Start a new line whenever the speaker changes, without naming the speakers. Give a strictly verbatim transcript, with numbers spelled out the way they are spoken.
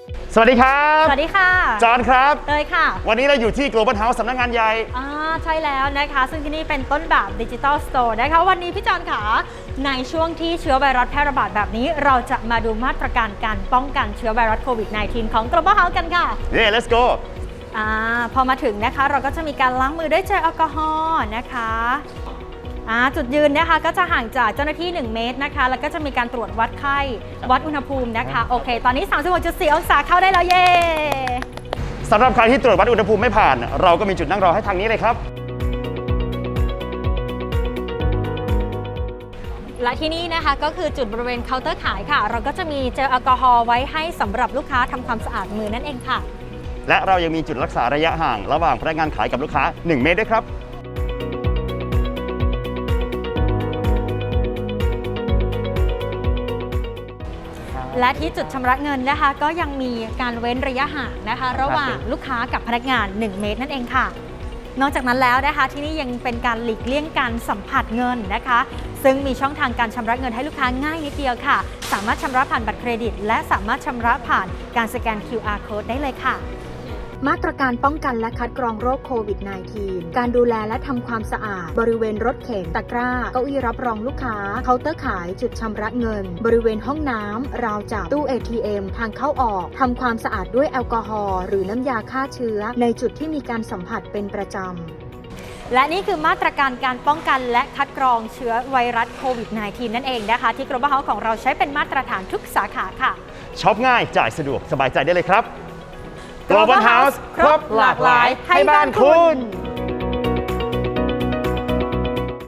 สวัสดีครับ
สวัสดีค่ะ
จอห์นครับ
เตยค่ะ
วันนี้เราอยู่ที่ Global House สำนักงานใหญ่
อ่าใช่แล้วนะคะซึ่งที่นี่เป็นต้นแบบดิจิทัลสโตร์นะคะวันนี้พี่จอห์นค่ะในช่วงที่เชื้อไวรัสแพร่ระบาดแบบนี้เราจะมาดูมาตรการการป้องกันเชื้อไวรัสโควิด สิบเก้า ของ Global House กันค่ะ
เย้ let's go
อ่าพอมาถึงนะคะเราก็จะมีการล้างมือด้วยเจลแอลกอฮอล์นะคะอ่าจุดยืนนะคะก็จะห่างจากเจ้าหน้าที่หนึ่งเมตรนะคะแล้วก็จะมีการตรวจวัดไข้วัดอุณหภูมินะคะโอเคตอนนี้ สามสิบหกจุดสี่ องศาเข้าได้แล้วเย้
สำหรับใครที่ตรวจวัดอุณหภูมิไม่ผ่านเราก็มีจุดนั่งรอให้ทางนี้เลยครับ
และที่นี่นะคะก็คือจุดบริเวณเคาน์เตอร์ขายค่ะเราก็จะมีเจลแอลกอฮอล์ไว้ให้สำหรับลูกค้าทำความสะอาดมือนั่นเองค่ะ
และเรายังมีจุดรักษาระยะห่างระหว่างพนักงานขายกับลูกค้าหนึ่งเมตรด้วยครับ
และที่จุดชำระเงินนะคะก็ยังมีการเว้นระยะห่างนะคะระหว่างลูกค้ากับพนักงานหนึ่งเมตรนั่นเองค่ะนอกจากนั้นแล้วนะคะที่นี่ยังเป็นการหลีกเลี่ยงการสัมผัสเงินนะคะซึ่งมีช่องทางการชำระเงินให้ลูกค้าง่ายนิดเดียวค่ะสามารถชำระผ่านบัตรเครดิตและสามารถชำระผ่านการสแกน คิว อาร์ Code ได้เลยค่ะมาตรการป้องกันและคัดกรองโรคโควิด สิบเก้า การดูแลและทำความสะอาดบริเวณรถเข็นตะกร้าเก้าอี้รับรองลูกค้าเคาน์เตอร์ขายจุดชำระเงินบริเวณห้องน้ำราวจับตู้ เอ ที เอ็ม ทางเข้าออกทำความสะอาดด้วยแอลกอฮอล์หรือน้ำยาฆ่าเชื้อในจุดที่มีการสัมผัสเป็นประจำและนี่คือมาตรการการป้องกันและคัดกรองเชื้อไวรัสโควิด สิบเก้า นั่นเองนะคะที่ Global House ของเราใช้เป็นมาตรฐานทุกสาขาค่ะ
ช็อปง่ายจ่ายสะดวกสบายใจได้เลยครับ Global House ครบหลากหลายให้บ้านคุณ